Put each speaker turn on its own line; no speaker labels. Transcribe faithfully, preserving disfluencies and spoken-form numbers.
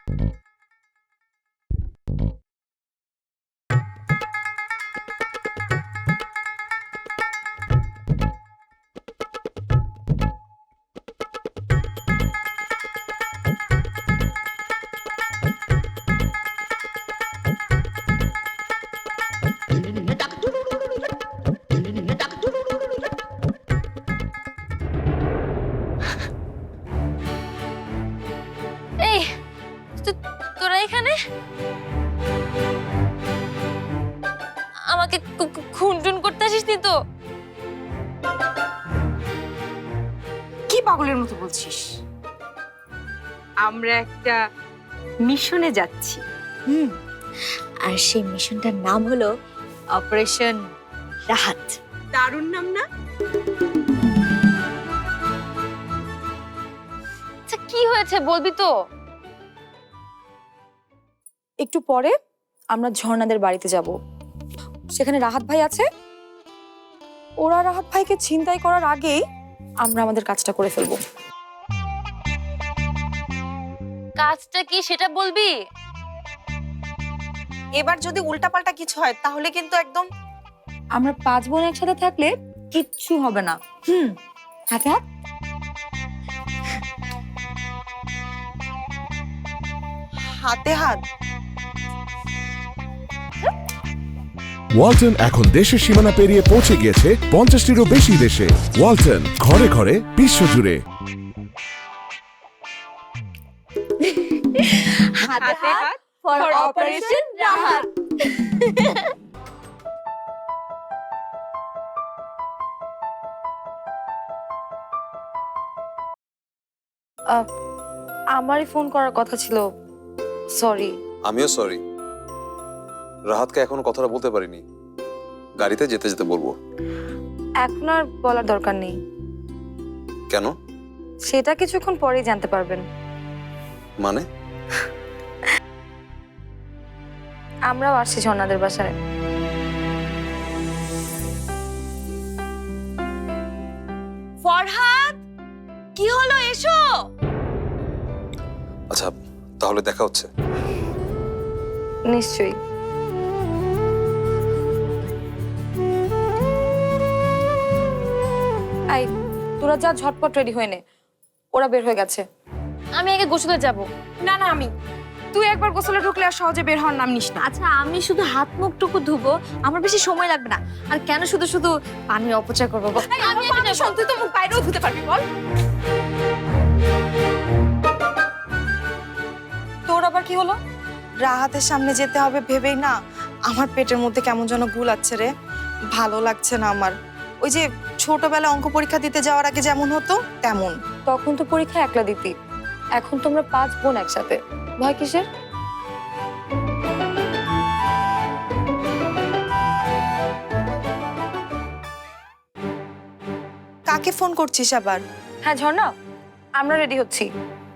এই তোরা এখানে আমাকে খুনটুন করতে আসিস নি তো?
কি পাগলের মতো বলছিস? আমরা একটা মিশনে যাচ্ছি।
হুম, আর সেই মিশনটার নাম হলো অপারেশন রাহাত।
দারুণ নাম না?
আচ্ছা কি হয়েছে বলবি তো?
একটু পরে আমরা ঝর্ণাদের বাড়িতে যাব। সেখানে রাহাত ভাই আছে। ওরা রাহাত ভাইকে ছিনতাই করার আগেই আমরা আমাদের কাজটা করে ফেলবো।
কাজটা কি সেটা বলবি?
এবার যদি উল্টাপাল্টা কিছু হয় তাহলে কিন্তু একদম
আমরা পাঁচ বোন একসাথে থাকলে কিচ্ছু হবে না। হুম, হাতে হাত।
হাতে হাত।
ওয়ালটন এখন দেশের সীমানা পেরিয়ে পৌঁছে গিয়েছে পঞ্চাশটিরও বেশি দেশে। ওয়ালটন, ঘরে ঘরে বিশ্বজুড়ে।
হাতে হাত ফর অপারেশন রাহাত।
আমারই ফোন করার কথা ছিল, সরি।
আমিও সরি, রাহাতকে এখনো কথাটা বলতে পারিনি। গাড়িতে যেতে যেতে বলবো।
এখন আর বলার দরকার নেই।
কেন?
সেটা কিছুক্ষণ পরেই জানতে পারবেন।
মানে?
আমরাও আসছি ঝর্ণাদের বাসায়।
ফরহাদ, কি হলো? এসো।
আচ্ছা, তাহলে দেখা হচ্ছে।
নিশ্চয়ই। আই, তোরা যা ঝটপট রেডি হয়ে নে, ওরা বের হয়ে গেছে।
আমি আগে গোসলে যাব।
না না, আমি। তুই একবার গোসলে ঢুকলে আর সহজে বের হওয়ার নাম নিস না।
আচ্ছা আমি শুধু হাত মুখটুকু ধুবো, আমার বেশি সময় লাগবে না। আর কেন শুধু শুধু পানির অপচয় করবো? আমি আগে যাবো।
তুই তো মুখ বাইরেও ধুতে পারবি, বল।
তোর আবার কি হলো? রাহাতের সামনে যেতে হবে ভেবেই না আমার পেটের মধ্যে কেমন যেন গুলাচ্ছে রে। ভালো লাগছে না আমার। ওই যে ছোটবেলায় অঙ্ক পরীক্ষা দিতে যাওয়ার আগে যেমন হতো তেমন।
তখন তো পরীক্ষা একলা দিতি, এখন তোমরা পাঁচ বোন একসাথে। ভয় কিসের?
কাকে ফোন করছিস আবার?
হ্যাঁ ঝর্ণা, আমরা রেডি হচ্ছি।